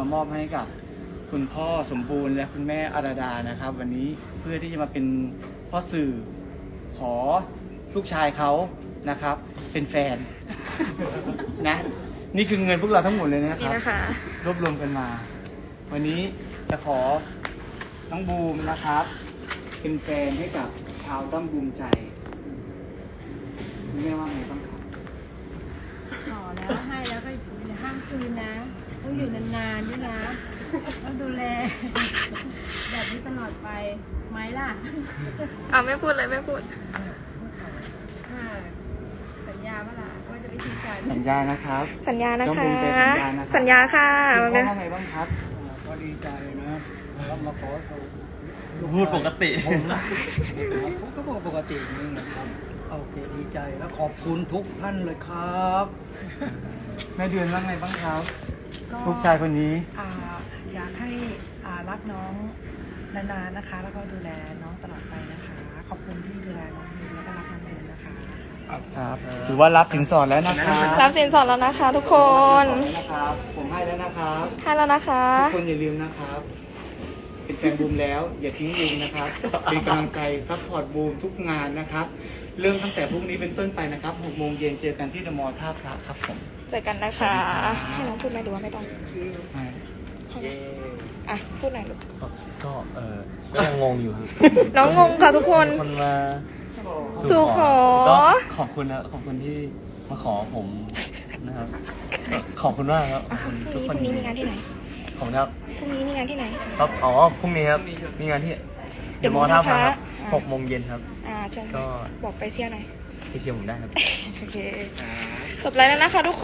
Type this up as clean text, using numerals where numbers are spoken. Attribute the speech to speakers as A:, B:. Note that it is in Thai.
A: มามอบให้กับคุณพ่อสมบูรณ์และคุณแม่อาราดานะครับ วันนี้เพื่อที่จะมาเป็นพ่อสื่อขอลูกชายเขานะครับ เป็นแฟน นะนี่คือเงินพวกเราทั้งหมดเลยนะค
B: นี่
A: รับ
B: นะคะ
A: รวบรวมกันมา วันนี้จะขอน้องบูมนะครับ เป็นแฟนให้กับชาวด้อมบูมใจแม่ว่าไงบ้างครับ
C: ขอแล้วให้แล้วก็อย่าห้ามคืนนะ ต้องอยู่นานๆด้วยนะ ต้องดูแล แบบนี้ตลอดไปไหมล่ะ
B: ไม่พูดเลยไม่พูด
C: ค่ะสัญญาว่าล่ะว่าจะไม่ทิ้งกัน
A: สัญญานะครับ
B: สัญญานะ
A: ต้อง
B: คะ
A: เป็นไปสัญญานะครับ
B: สัญญาค่ะ
A: คุณพ่อว่าไงบ้างครับ
D: ก็ดีใจนะแล้วมาขอเขา
E: พูดปกติ
D: ผมก็ปกตินี่นะครับโอเคดีใจแล้วขอบคุณทุกท่านเลยครับ
A: แม่เดือนว่าไงบ้างครับลูกชายคนนี้
F: อยากให้รักน้องนานๆนะคะ แล้วก็ดูแลน้องตลอดไปนะคะ ขอบคุณที่ดูแลน้องดีแล้วก็รักน้องเดือนนะคะ
A: ครับถือว่ารับสินสอดแล้วนะครับ
B: รับสินสอดแล้วนะคะ ทุกคน
A: นะครับ ผมให้แล้วนะครับ
B: ให้แล้วนะคะ
A: ทุกคนอย่าลืมนะครับ เป็นแฟนบูมแล้ว อย่าทิ้งบูมนะครับ เป็นกำลังใจซัพพอร์ตบูมทุกงานนะครับ เริ่มตั้งแต่พรุ่งนี้เป็นต้นไปนะครับ6 โมงเย็นเจอกันที่เดอะมอลล์ท่าพระครับผม
B: เจอกันนะคะ ให้น้องพูดไหมหรือว่าไม่ต้องพูดหน่อยลูก
E: ก็ยังงงอยู่ครับ
B: น้องงงค่ะทุกคน
E: คนมา
B: สู่ขอ
E: ก็ขอบคุณนะขอบคุณที่มาขอผมนะครับก็ขอบคุณมากครับขอบคุณ
B: พ
E: ทุ
B: รุ่
E: ก
B: ง
E: คน
B: นี้มีงานที่ไหน
E: ขอบคุณครับ
B: พรุ่งนี้มีงานที่ไหน
E: ครับอ๋อพรุ่งนี้ครับมีงานที่
B: เดี๋
E: เดี๋
B: ย
E: ยว วมอท่าพระครับ
B: อ่า
E: 6 โมงเย็นครับ
B: เชิญ
E: ก็
B: บอกไปเชียร์หน่อย
E: ไปเชียร์ผมได้ครับ
B: โอเค จบแล้วนะคะทุกคน